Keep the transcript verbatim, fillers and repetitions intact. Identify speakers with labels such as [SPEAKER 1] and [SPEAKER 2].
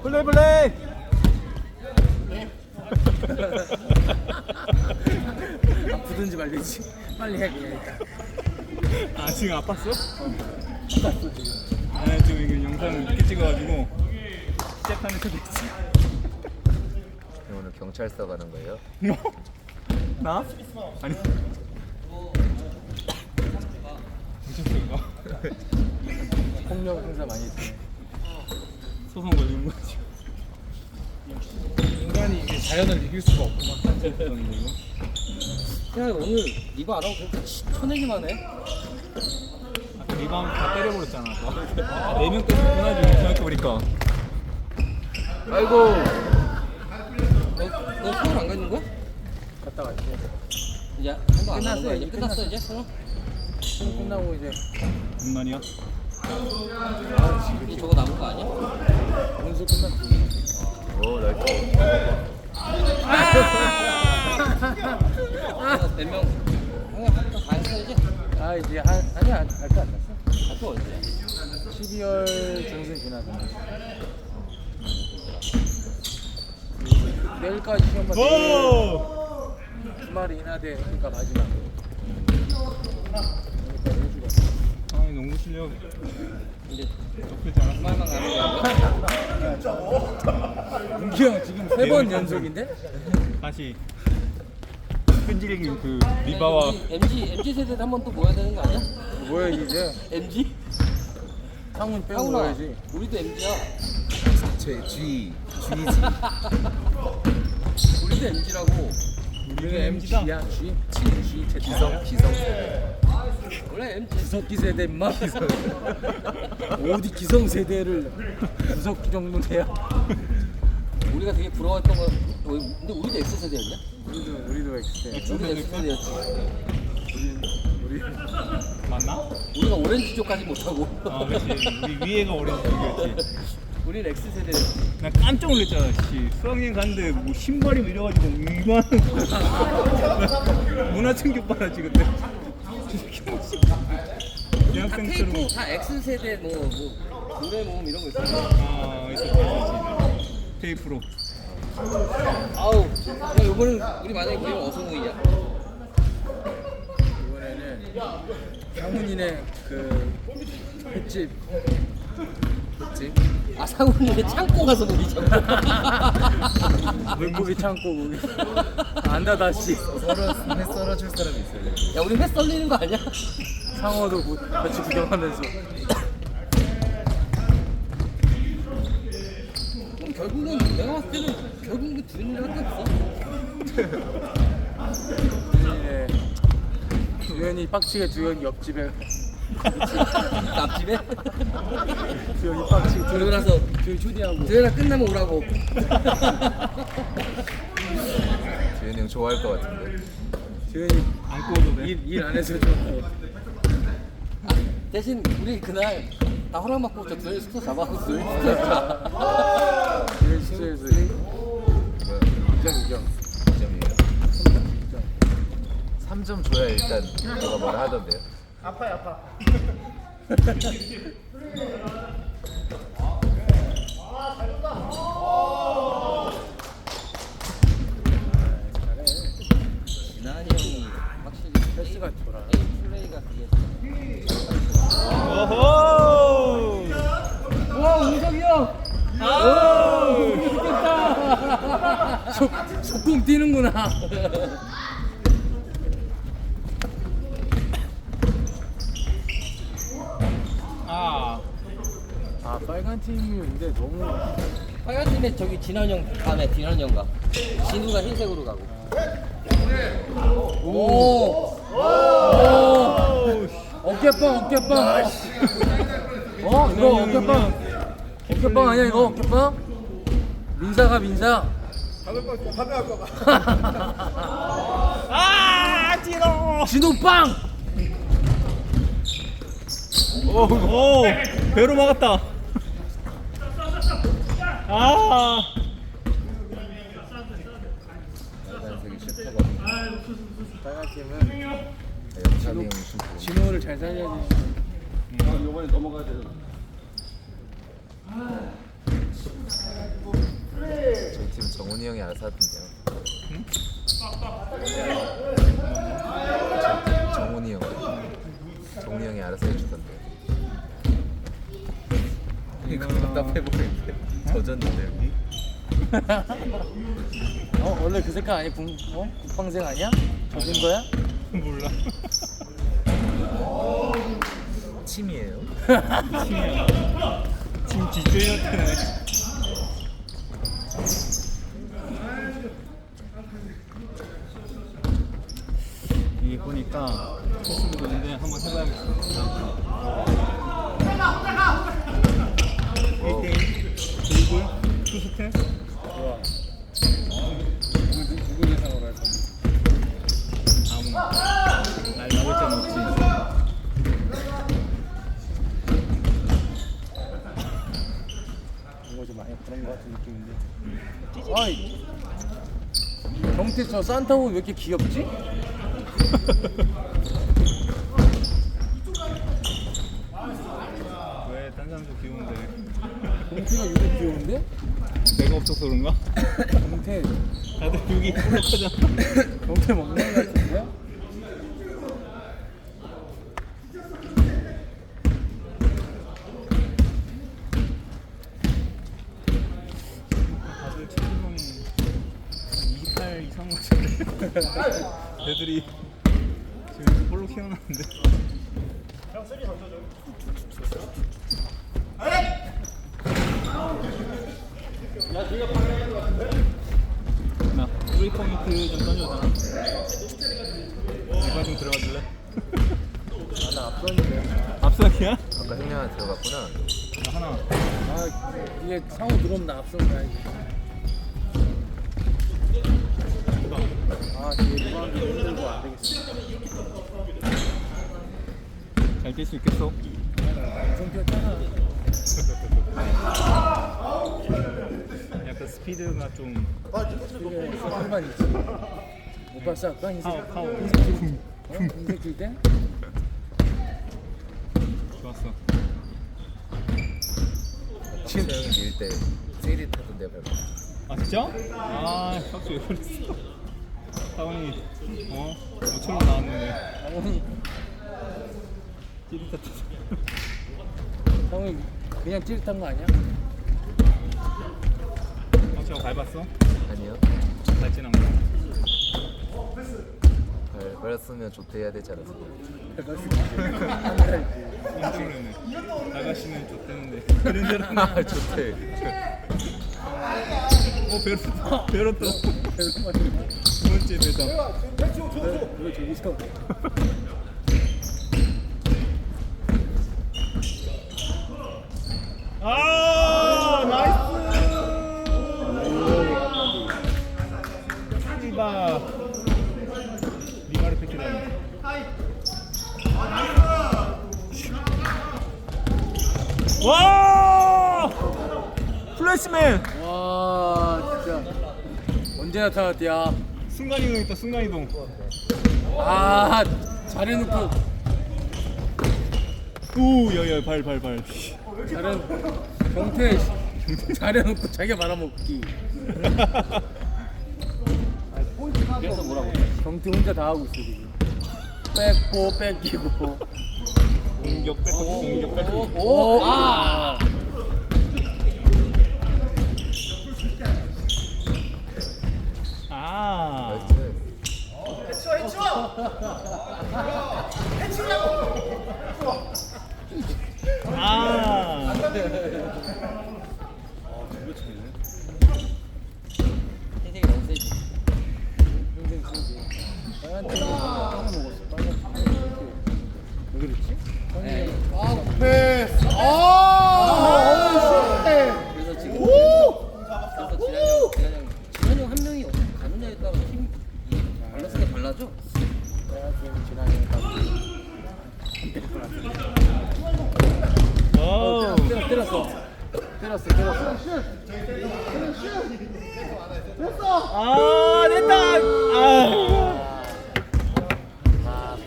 [SPEAKER 1] 플레이 플레이.
[SPEAKER 2] 아프든지 말든지 빨리 해 그냥 일단.
[SPEAKER 1] 아 지금 아팠어?
[SPEAKER 2] 아팠어 지금.
[SPEAKER 1] 아 지금 이거 영상을 늦게 찍어가지고 시작하는 척 했지.
[SPEAKER 3] 오늘 경찰서 가는 거예요?
[SPEAKER 1] 나? 아니. 경찰서인가?
[SPEAKER 2] 폭력 행사 많이 했지.
[SPEAKER 1] 소송 걸리는 거지.
[SPEAKER 2] 인간이 이제 자연을 이길 수가 없구만.
[SPEAKER 4] 야 오늘 리바 안 하고 그렇게 쳐내기만 해?
[SPEAKER 1] 아까 리바운드 다 때려버렸잖아. 아, 네 명 때렸구나 지금 생각해보니까.
[SPEAKER 3] 아이고.
[SPEAKER 4] 너, 너 서울 안 가는 거야?
[SPEAKER 2] 갔다 갈게.
[SPEAKER 4] 이제 한번 안 가는
[SPEAKER 2] 끝났어요,
[SPEAKER 4] 거야 이제?
[SPEAKER 2] 이제
[SPEAKER 4] 끝났어 이제? 서울?
[SPEAKER 2] 시험 끝나고 이제
[SPEAKER 1] 무슨 말이야?
[SPEAKER 4] 이제 저거 남은 거 아니야?
[SPEAKER 2] 원수 끝났지.
[SPEAKER 3] 오 나이스.
[SPEAKER 4] 몇 명? 형이 한번 다 했어 이제?
[SPEAKER 2] 아 이제 한 아니 안할거 안 났어.
[SPEAKER 4] 아또 언제야?
[SPEAKER 2] 십이월 중순 지나서. 내일까지 시험 봤을
[SPEAKER 1] 오!
[SPEAKER 2] 주말에 인하대 그러니까 마지막.
[SPEAKER 1] 아 농구 실력
[SPEAKER 4] 이제
[SPEAKER 1] 적지 않았어.
[SPEAKER 4] 주말만 가는 거야?
[SPEAKER 2] 문기 형 지금 세 번 연속인데?
[SPEAKER 1] 다시 끈질긴 그 리바와
[SPEAKER 4] 엠지 엠지 세대 한 번 또 모여야 되는 거 아니야?
[SPEAKER 2] 뭐야 이제?
[SPEAKER 4] 엠지?
[SPEAKER 2] 상훈 빼고
[SPEAKER 4] 상훈아
[SPEAKER 2] 넣어야지.
[SPEAKER 4] 우리도 엠지야.
[SPEAKER 3] 제 G G지.
[SPEAKER 4] 우리도 엠지라고.
[SPEAKER 2] 우리는 엠지야 G? G Z
[SPEAKER 3] 기성 기성 세대.
[SPEAKER 4] 원래 엠지.
[SPEAKER 2] 구석기 세대 임마. 어디 기성 세대를 구석기 정도 돼야.
[SPEAKER 4] 우리가 되게 부러웠던 거. 어, 근데 우리도 X 세대였냐?
[SPEAKER 2] 우리도 우리도 X세.
[SPEAKER 4] 우리도 X 세대였지.
[SPEAKER 2] 우리 우리
[SPEAKER 1] 맞나?
[SPEAKER 4] 우리가 오렌지족까지 못하고.
[SPEAKER 1] 아 그렇지. 우리 위에가 오렌지였지.
[SPEAKER 4] 우리는 X 세대였지.
[SPEAKER 1] 나 깜짝 놀랐잖아. 씨. 수학여행 갔는데 뭐 신발이 이래가지고 이만한 문화 충격 받았지 그때. 대학생처럼.
[SPEAKER 4] 테이프 다 X 세대 뭐, 뭐 노래 모음 이런 거 있어.
[SPEAKER 1] 아 있었지 있었지. 테이프로.
[SPEAKER 4] 아우, 야 이번엔 우리 만약에 모이면 어서 모이냐?
[SPEAKER 2] 이번에는 상훈이네 그 횟집 횟집
[SPEAKER 4] 아 상훈이네 창고 가서 모이자.
[SPEAKER 2] 물고기 창고 거기 안다 다시
[SPEAKER 3] 썰어 해 썰어줄 사람이 있어요.
[SPEAKER 4] 야 우리 회 썰리는 거 아니야?
[SPEAKER 2] 상어도 구- 같이 구경하면서
[SPEAKER 4] 그럼 결국은 내가 봤을 때는 결국은 주인이밖에 없어.
[SPEAKER 2] 주연이네 주연이 빡치게 주연이 옆집에
[SPEAKER 4] 앞집에?
[SPEAKER 2] 주연이 빡치게
[SPEAKER 4] 그러고
[SPEAKER 2] 주연
[SPEAKER 4] 나서
[SPEAKER 2] 주연 초대하고
[SPEAKER 4] 대회가 끝나면 오라고.
[SPEAKER 3] 재현이 형 좋아할 것 같은데.
[SPEAKER 2] 주연이
[SPEAKER 1] 안 구워도 돼.
[SPEAKER 2] 일 안 해서 좀
[SPEAKER 4] 대신 우리 그날 다 허락받고 저 두현이 숙소 잡아갖고 두현이 숙소에서
[SPEAKER 2] 주연 숙소에서 이점 이점
[SPEAKER 3] 이 점이에요. 삼 점 줘야 일단 너가 뭐라 하던데요.
[SPEAKER 4] 진한이 형이 확실히
[SPEAKER 2] 패스가 좋아.
[SPEAKER 4] 게임 플레이가 되게
[SPEAKER 1] 오호.
[SPEAKER 4] 와 우석이 형!
[SPEAKER 2] 속 속공 뛰는구나.
[SPEAKER 1] 아.
[SPEAKER 2] 아 빨간 팀인데 너무
[SPEAKER 4] 빨간 팀에 저기 진환이 형 다음에 진환이 형가 진우가 흰색으로 가고 오!
[SPEAKER 2] 오 어깨빵 어깨빵. 어 이거 어깨빵 어깨빵 아니야 이거 어깨빵? 민사가 민사.
[SPEAKER 1] 아 찌러.
[SPEAKER 2] 진호빵.
[SPEAKER 1] 오, 오 배로 막았다. 아.
[SPEAKER 3] 빨간색이 슈퍼가.
[SPEAKER 2] 빨간 팀은
[SPEAKER 3] 영상이 형 슈퍼.
[SPEAKER 2] 진호를 잘 살려야지.
[SPEAKER 4] 이번에 넘어가야 돼
[SPEAKER 3] 저희 팀 정훈이 형이 알아서 하던데요.
[SPEAKER 1] 응?
[SPEAKER 3] 저희 팀 정훈이 형. 정훈이 형이 알아서 해주던데요. 이거 답답해보이는데 젖었는데 여기?
[SPEAKER 2] 어 원래 그 색깔 아니 국 어? 국방색 아니야? 젖은 거야?
[SPEAKER 1] 몰라.
[SPEAKER 3] 침이에요?
[SPEAKER 1] 팀이야. 팀 뒷조이한테는 이게 보니까 코스도 있는데 한번 해봐야겠어.
[SPEAKER 3] 어,
[SPEAKER 1] 일 대일 드리블 투스텝
[SPEAKER 2] 좋아. 누구 누구 예상으로 할 건데?
[SPEAKER 1] 아무나 날 나올 땐 없지.
[SPEAKER 2] 이거 좀 많이 그런 거 같은 느낌인데. 아이. 경태 저 산타옷 왜 이렇게 귀엽지?
[SPEAKER 1] 왜 딴 사람도 귀여운데
[SPEAKER 2] 경태가 유독 귀여운데?
[SPEAKER 1] 내가 없어서 그런가?
[SPEAKER 2] 경태
[SPEAKER 1] 다들 여기 볼록하잖아.
[SPEAKER 2] 경태 먹는 거 같은데?
[SPEAKER 1] 다들 체중이 이십팔 이상 같은데 애들이 지금 볼록 키워놨는데 나 프리 포인트 좀 던져잖아. 이거 좀 들어가줄래?
[SPEAKER 2] 나는 앞선인데.
[SPEAKER 1] 앞서기야?
[SPEAKER 3] 아까 형님 하나 들어갔구나.
[SPEAKER 1] 나 하나.
[SPEAKER 2] 아 이게 상호 들어오면 나 앞선 가야지. 아 뒤에 리바운드 힘들고 안 되겠어.
[SPEAKER 1] 잘 뛸 수 있겠어?
[SPEAKER 2] 엄청 뛰었잖아.
[SPEAKER 1] 약간 스피드가 좀
[SPEAKER 2] 되게 썰만 있지. 못 봤어 아까 흰색
[SPEAKER 1] 파워 파워.
[SPEAKER 2] 흰색 길 어? 흰색 길 때?
[SPEAKER 1] 좋았어.
[SPEAKER 3] 박수 형이 밀 때 세일이 타던데 밟아.
[SPEAKER 1] 아 진짜? 아 박수 왜 그랬어? 사원이 어? 모처럼 나왔는데
[SPEAKER 2] 상훈이
[SPEAKER 1] 찌릿했다.
[SPEAKER 2] 상훈이 그냥 찌릿한 거 아니야?
[SPEAKER 1] 박수가 밟았어?
[SPEAKER 3] 아니요.
[SPEAKER 1] 밟진 않고.
[SPEAKER 3] 발, 밟았으면 좋대 해야 되지 않았어?
[SPEAKER 1] 깜짝 놀랐네. 나가시면 좋대는데 그런 줄 알았나?
[SPEAKER 3] 아 좋대.
[SPEAKER 1] 어 베르토 베르토 두 번째 배당.
[SPEAKER 2] 이거 저기서
[SPEAKER 1] 아 나이스. 리바 리바를 뺏기다니. 와 플래시맨.
[SPEAKER 2] 와 진짜 언제 나타났대야.
[SPEAKER 1] 순간이동 있다. 순간이동.
[SPEAKER 2] 아 잘해놓고
[SPEAKER 1] 오 야야 발 발 발.
[SPEAKER 2] 잘해 경태 잘해놓고 자기가 말아먹기.
[SPEAKER 4] 그래서 뭐라고?
[SPEAKER 2] 경태 혼자 다 하고 있어 지금. 뺏고 뺏기고.
[SPEAKER 1] 공격 뺏고 공격 뺏고.
[SPEAKER 2] 오,
[SPEAKER 4] 아!
[SPEAKER 1] 아. 아.
[SPEAKER 4] 인생이 너무 세지.
[SPEAKER 2] 인생 쓰지. 빨간 팀이 빵을 먹었어. 빨간 팀이 왜 그랬지?
[SPEAKER 4] 네.
[SPEAKER 2] 아 패스. 아.
[SPEAKER 4] 그래서 지금 그래서 지난형 지난형 지난형 한 명이 어디 가느냐에 따라 팀 밸런스가 달라져.
[SPEAKER 2] 내가 지금 지난해 딱.
[SPEAKER 1] 와우.
[SPEAKER 2] 때렸어 때렸어 때렸어 때렸어.
[SPEAKER 1] 아 됐다. 아.